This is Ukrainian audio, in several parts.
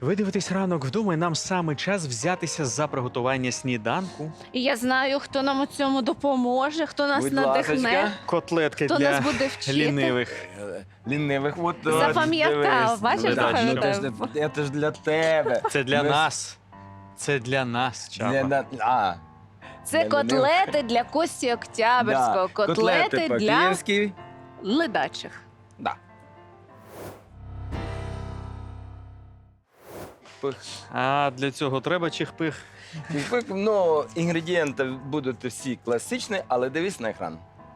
Ви дивитесь ранок вдома, і нам саме час взятися за приготування сніданку. І я знаю, хто нам у цьому допоможе, хто нас Будь надихне, ласочка. Котлетки хто для нас буде вчити. лінивих. Лінивих, от Запам'ятав, дивись. бачиш, Ну, так, запам'ятав. ну, це ж для тебе. Це для Ми- нас. Це для нас, Чаба. Це котлети для Кості Октябрського, котлети для по-київськи. ледачих. Да. Пих. А для цього треба чих-пих. Ну, інгредієнти будуть всі класичні, але дивись на екран.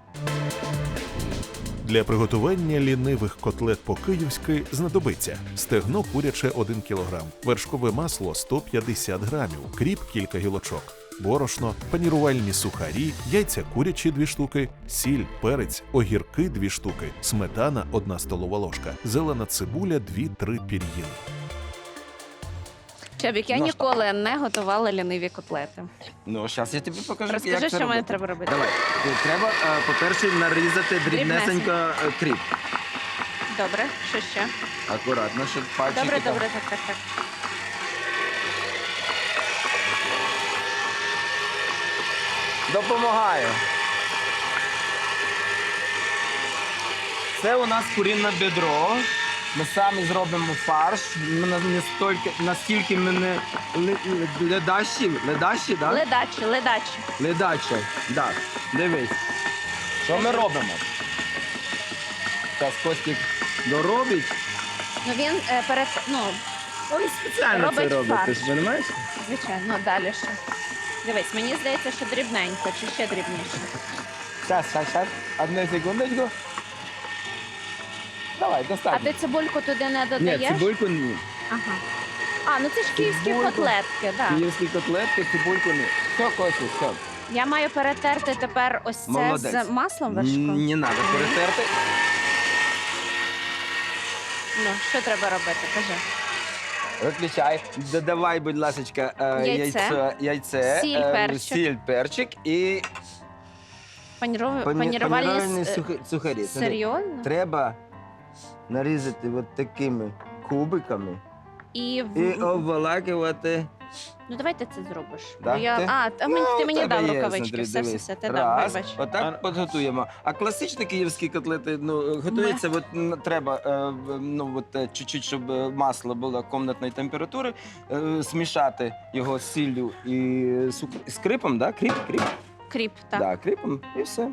Для приготування лінивих котлет по-київськи знадобиться стегно куряче 1 кг, вершкове масло 150 грамів, кріп кілька гілочок, борошно, панірувальні сухарі, яйця курячі 2 штуки, сіль, перець, огірки 2 штуки, сметана 1 столова ложка, зелена цибуля 2-3 пір'їни. Чабік, я Ну, ніколи не готувала ліниві котлети. Ну, зараз я тобі покажу, Розкажи, як це що мені робити. треба робити. Давай. Треба, по-перше, нарізати дрібнесенько кріп. Добре, що ще? Акуратно, щоб пальчики... Добре, там- добре, так. Допомагаю. Це у нас курінне бедро. Ми самі зробимо фарш. Ми настільки ми не ледащі, да? Ледачі. Ледачі, да. Дивись. Що ми робимо? Зараз Костік доробить. Ну він Він спеціально Робить це робить, ти фарш. ж розумієш? звичайно, далі ще. Дивись, мені здається, що дрібненько, чи ще дрібніше. Зараз. Одну секундочку. Давай, А достатньо. ти цибульку туди не Ні, додаєш? цибульку ні. Ага. А, ну це ж київські Цибульку. котлетки, так. Київські котлетки, цибульку ні. Все, Костік, все. Я маю перетерти тепер ось це Молодець. з маслом вершком. Не треба перетерти. Ну, що треба робити? Кажи. Виключай. Додавай, будь ласка, яйце, Сіль, перчик. сіль, перчик і Панірувальні панірувальні сухарі. Смотри, серйозно? треба нарізати от такими кубиками І і обволакувати. Ну давай ти це зробиш. Да? Бо я... Ти? ти Ну, мені в тебе дав є, рукавички. смотри, Все, дивись. ти дав, Раз, вибач. отак підготуємо. А класичні київські котлети, готуються, треба, чуть-чуть, щоб масло було кімнатної температури, смішати його з сіллю і з крипом, да? Кріп? Кріп, так. Да, кріпом і все.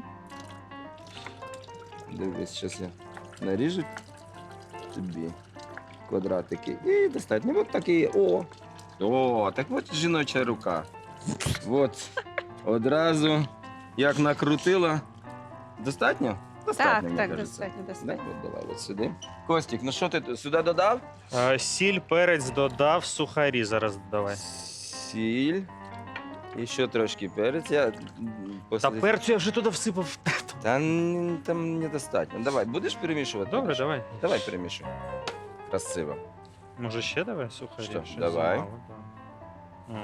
Дивись, зараз я наріжу тобі квадратики. І достатньо. Ось такі. Так от жіноча рука. От. Одразу як накрутила. Достатньо? Достатньо, мені Так, кажеться. достатньо. Да? От давай от сюди. Костік, ну що ти сюди додав? Сіль, перець додав, сухарі зараз додавай. Сіль. І ще трошки перець. Та перцю я вже туди всипав. Там недостатньо. Давай, будеш перемішувати? Добре, давай. Давай перемішуй. Красиво. Може ще давай сухарі? Що, Щось давай. замало, да.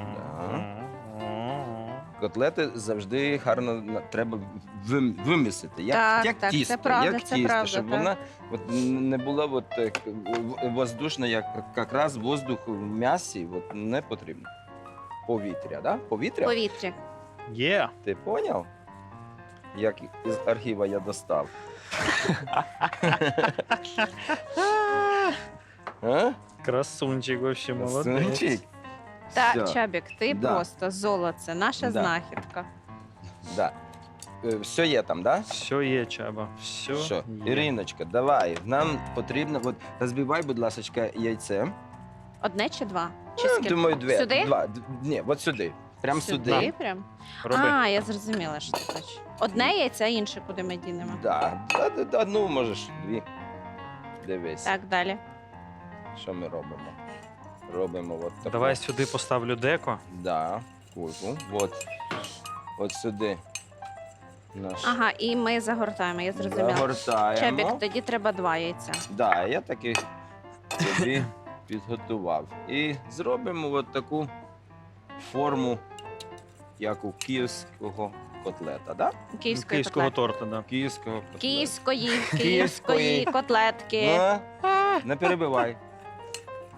Котлети завжди гарно треба вимісити. Як Так, тісто, це правда, як це тісто, правда, щоб так. вона не була воздушна, якраз воздух в м'ясі не потрібно. Повітря, да? Повітря? Повітря. Є. Ти поняв? Як із архіва я достав. А? Красунчик, вообще молодець. Сунчик? Та, Всьо. Чабік, ти Да. просто золоце, наша Да. знахідка. Да. Все є там, да? Все є, Чаба, все Що? є. Іриночка, давай. Нам потрібно, розбивай, будь ласка, яйце. Одне чи два? Чи скільки? Думаю, Сюди? Два. Ні, от сюди. Прям сюди. Сюди прям? Роби. А, я зрозуміла, що ти хочеш. Одне яйце, а інше куди ми дінемо. Да. Одну можеш, дві. Дивись, Так, далі. що ми робимо. Робимо от таку. Давай сюди поставлю деко. Да, кульку. От сюди. Наш. Ага, і ми загортаємо, я зрозуміла. Загортаємо. Чабік, тоді треба два яйця. Да, я таки собі підготував. І зробимо от таку форму, як у київського котлета, да? Київської Київського котлетки. торта, да. Київського котлета. Київської Київської. котлетки. Ну, не перебивай.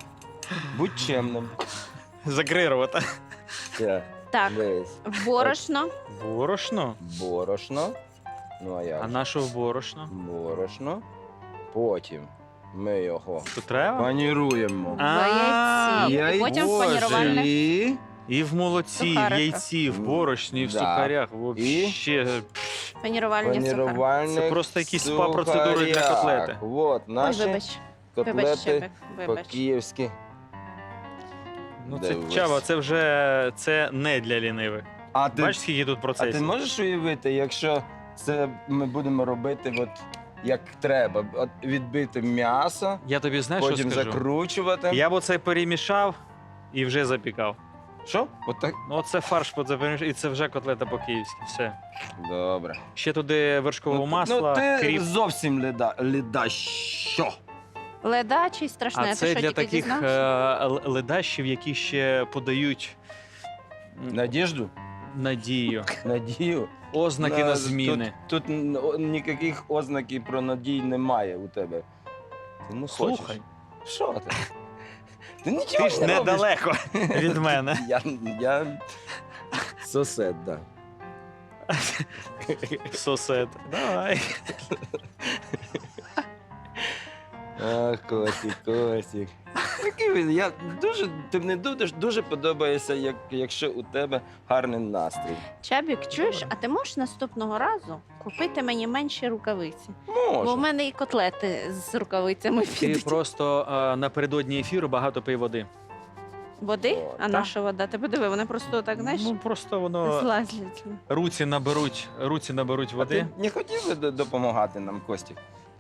Будь чемним. Закрий рота. Так, Так, дивись. борошно. Борошно? Борошно. Ну, а як? А на що борошно? Борошно. Потім ми його Тут треба? паніруємо. А, В яйці. І потім в Боже. панірувальних. І І в молоці, в Сухариках. яйці, в борошні, і в Да. сухарях. Вообще. Панірувальні сухарі. панірувальних Це просто якісь спа-процедури для сухарях. котлети. От Ой, наші вибач. Вибач, котлети Чебик, вибач. по-київськи. Ну це Дивись. Чаба, це вже це не для лінивих. А ти, Бачиш, скільки тут а ти процесів? можеш уявити, якщо це ми будемо робити от як треба, от відбити м'ясо, Я тобі знаєш, що потім скажу? закручувати. Я б оце перемішав і вже запікав. Що? От так? Ну, оце фарш перемішав, і це вже котлета по-київськи. Все. Добре. Ще туди вершкового масла, ти кріп. зовсім леда. Що? Ледачий страшне. А Ти це що, для тільки таких дізнався? ледащів, які ще подають Надіжду? надію, Надію? ознаки на зміни. Тут ніяких ознаків про надію немає у тебе. Ти ну Слухай, хочеш. Що ти? Ти нічого ти ж не робиш. недалеко від мене. Я сосед, да. Сосед. Давай. Ах, Костік. Який він? Ти мені дуже подобається, якщо у тебе гарний настрій. Чабік, чуєш, а ти можеш наступного разу купити мені менші рукавиці? Бо в Може. мене і котлети з рукавицями Ти підуть. просто напередодні ефіру багато пий води. Води? О, А так. наша вода? Ти подиви, вона просто так, знаєш, Ну просто воно злазлять. руці наберуть А води. ти не хотів би допомагати нам, Костік?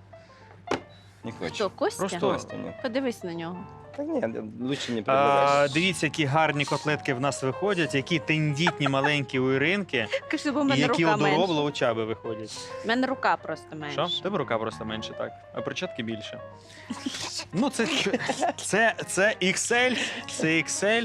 Не хочу. Хто, Костя? Просто- Костя, ні. Подивись на нього. Та ні, лучше не прибирай. Дивіться, які гарні котлетки в нас виходять, які тендітні маленькі у Іринки, Кажи, бо в і мене які рука одоробло менша. у Чаби виходять. В мене рука просто менша. Що? В Тебе рука просто менше, так. А перчатки більше. Ну, це XL, це XL.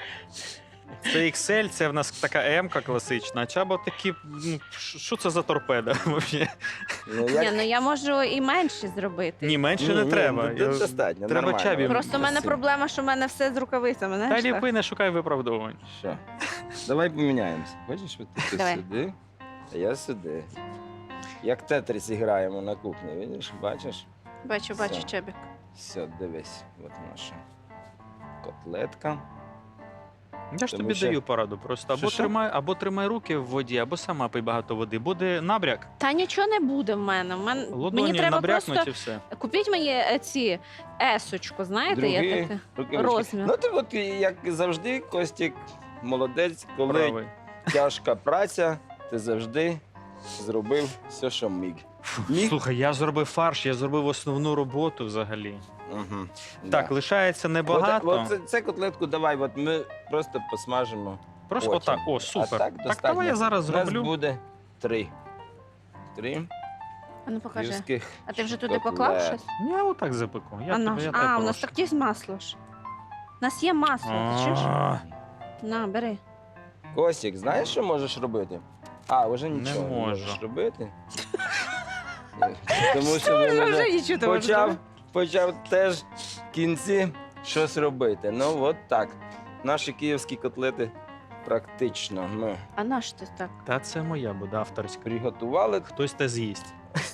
Це XL, це в нас така М-ка класична. А Чаба такі. Ну, що це за торпеда? взагалі? Ну, Ні, ну я можу і менші зробити. Ні, менше не треба. Достатньо, Треба нормально. Чабі. Просто в мене Красиво. проблема, що в мене все з рукавицями, Та знаєш? так? ліпи, не шукай виправдовувань. Що? Давай поміняємося. Хочеш, от ти Давай. сюди, а я сюди. Як тетріс граємо на кухні, видиш, бачиш? Бачу, Все. Чабік. Все, дивись, от наша котлетка. Я ж Тому тобі що- даю пораду. Просто Що? або тримай руки в воді, або сама пий багато води. Буде набряк. Та нічого не буде в мене. Мені Ладоні треба набрякнуть просто і все. купіть мені ці есочку, знаєте, Другі є таке. рукавички. Розмір. Ну, ти от, як завжди, Костік, молодець, коли Правий. тяжка праця, ти завжди зробив все, що міг. Міг? Слухай, я зробив фарш, я зробив основну роботу взагалі. Угу. Так, лишається небагато. От це котлетку давай, от ми просто посмажимо. Просто потім. отак. О, супер. А так Так, достатньо. давай я зараз У нас зроблю. буде 3. 3 А ну покажи. гірських А ти вже туди котлет. поклав щось? Я отак запеку. Я А, тебе, наш... я а тебе у нас прошу. так є масло ж. У нас є масло, ти чуєш? А, На, бери. Костік, знаєш, що можеш робити? А, вже Не нічого не можу. можеш робити. Тому що він Вже вже нічого ти можеш почав теж в кінці щось робити. Ну, от так. Наші київські котлети практично ми А наш ти так? Та це моя буде авторська. приготували. Хтось те з'їсть.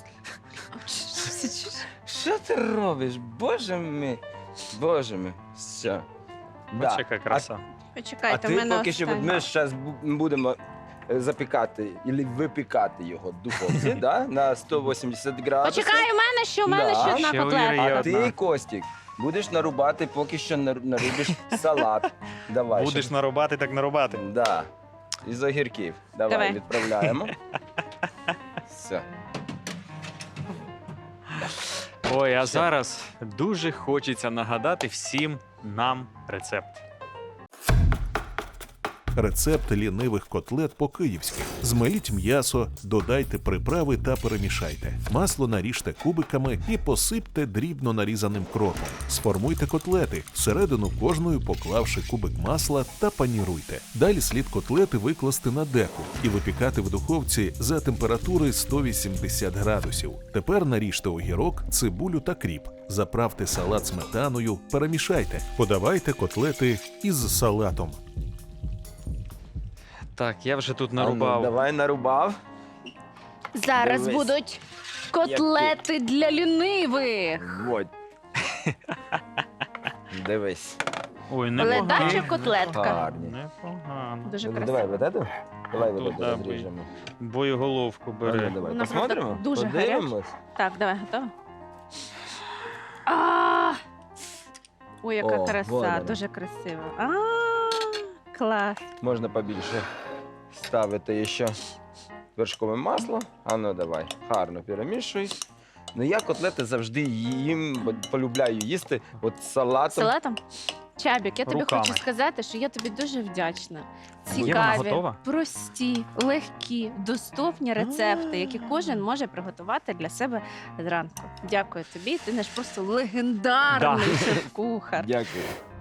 Що ти робиш? Боже мій. Боже мій. Все. Бачиш, яка краса. А Почекайте, в ти мене поки що, от останнє. ми зараз будемо запікати або випікати його в духовці, да? На 180 градусів. Почекай, у мене ще, у мене Да. ще одна Ще у Іри є котлета. А одна. ти, Костік, будеш нарубати, поки що нарубиш салат. Давай. Будеш нарубати, так нарубати. Да. Із огірків. Давай, Давай. відправляємо. Все. Ой, а Все. зараз дуже хочеться нагадати всім нам рецепт. Рецепт лінивих котлет по-київськи. Змеліть м'ясо, додайте приправи та перемішайте. Масло наріжте кубиками і посипте дрібно нарізаним кропом. Сформуйте котлети, всередину кожної поклавши кубик масла та паніруйте. Далі слід котлети викласти на деку і випікати в духовці за температури 180 градусів. Тепер наріжте огірок, цибулю та кріп. Заправте салат сметаною, перемішайте. Подавайте котлети із салатом. Так, я вже тут А ну, нарубав. давай нарубав. Зараз Дивись. будуть котлети для лінивих. Вот. Дивись. Ой, Ледача непогано. котлетка. Гарні. Непогано. Дуже Ну, давай красиво. вот эту. Давай вот Тут, эту да, розріжемо. Боєголовку А ну, бере. давай, Вона посмотримо? правда дуже Подивимось. Так, давай, готова? А! Ой, яка О, краса, вона. дуже красиво. Клас. Можна побільше ставити ще вершкове масло. А ну давай, гарно перемішуй. Ну я котлети завжди їм, бо полюбляю їсти от з салатом. Салатом? Чабік, я тобі Руками. хочу сказати, що я тобі дуже вдячна. Є вона Цікаві, готова? прості, легкі, доступні рецепти, які кожен може приготувати для себе зранку. Дякую тобі. Ти наш просто легендарний Да. шеф-кухар. Дякую.